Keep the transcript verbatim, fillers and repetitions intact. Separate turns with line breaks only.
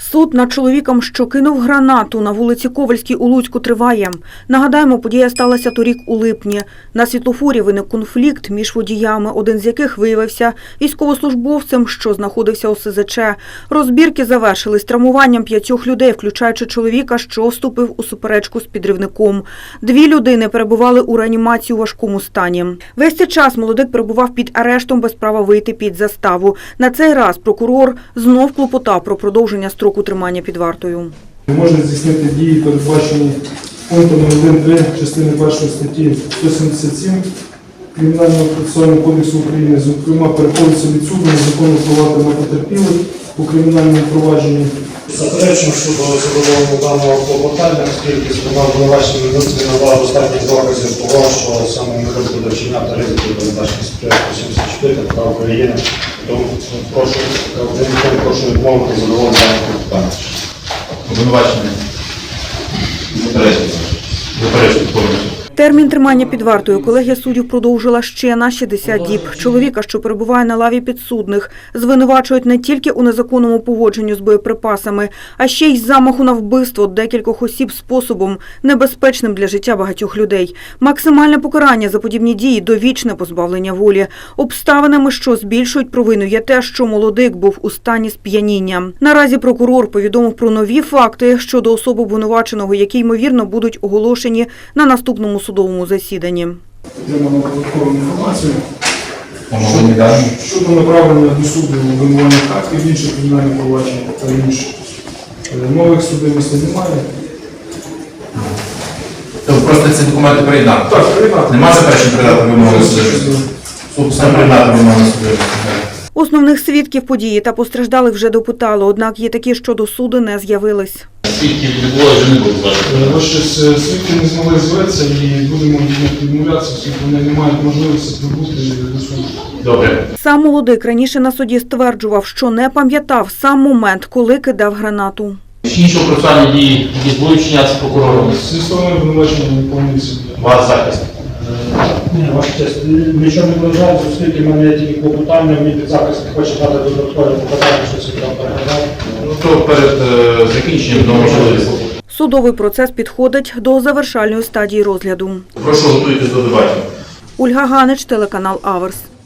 Суд над чоловіком, що кинув гранату на вулиці Ковальській у Луцьку, триває. Нагадаємо, подія сталася торік у липні. На світлофорі виник конфлікт між водіями, один з яких виявився військовослужбовцем, що знаходився у ес зет че. Розбірки завершились травмуванням п'ятьох людей, включаючи чоловіка, що вступив у суперечку з підривником. Дві людини перебували у реанімації у важкому стані. Весь цей час молодик перебував під арештом без права вийти під заставу. На цей раз прокурор знов клопотав про продовження строку тримання під вартою.
Можна здійснити дії, передбачені пунктом один три частини першої статті сто сімдесят сім Кримінального процесуального кодексу України, зокрема, переходиться від суду незаконно впливати на потерпілих у кримінальному провадженні.
Заперечуємо щодо задоволення даного клопотання, оскільки сторона обвинувачення не надала достатньо доказів того, що саме не буде вчиняти ризики передбачені статтею сто сімдесят чотири КПК України. Тому прошу, прошу відмовити задоволення даного клопотання.
Обвинувачення. Заперечуємо. Заперечуємо повністю.
Термін тримання під вартою колегія суддів продовжила ще на шістдесят діб. Чоловіка, що перебуває на лаві підсудних, звинувачують не тільки у незаконному поводженню з боєприпасами, а ще й замаху на вбивство декількох осіб способом, небезпечним для життя багатьох людей. Максимальне покарання за подібні дії – довічне позбавлення волі. Обставинами, що збільшують провину, є те, що молодик був у стані сп'яніння. Наразі прокурор повідомив про нові факти щодо особи обвинуваченого, які, ймовірно, будуть оголошені на наступному судовому засіданні.
Отримано додаткову інформацію
Щодо
щодо направлення до суду обвинувальних актів, інших кримінальних проваджень та інших. Нових судимостей немає.
Тобто просто ці документи приєднати?
Так, приєднати.
Нема заперечень передати вимогу судові? Суд сам приєднати вимогу судові.
Основних свідків події та постраждалих вже допитали, однак є такі, що до суду не з'явились.
Свідків не було, вже не було.
Ось свідки не змогли зветься і будемо відмовлятися, оскільки вони не мають можливості прибути до суду.
Добре.
Сам молодик раніше на суді стверджував, що не пам'ятав сам момент, коли кидав гранату.
Інші процесуальні дії, які будуть вчинятися прокурором.
Зі сторони обвинувачення не повністю.
Ваш захист.
Ні, ваша честь, нічого не вважаю, оскільки в мене є тільки клопотання, мій підзахист не хоче дати додаткове показання, що це там переглядав.
Ну, то перед е, закінченням до можливості.
Судовий процес підходить до завершальної стадії розгляду.
Прошу, готуйтесь до дебатів.
Ольга Ганич, телеканал Аверс.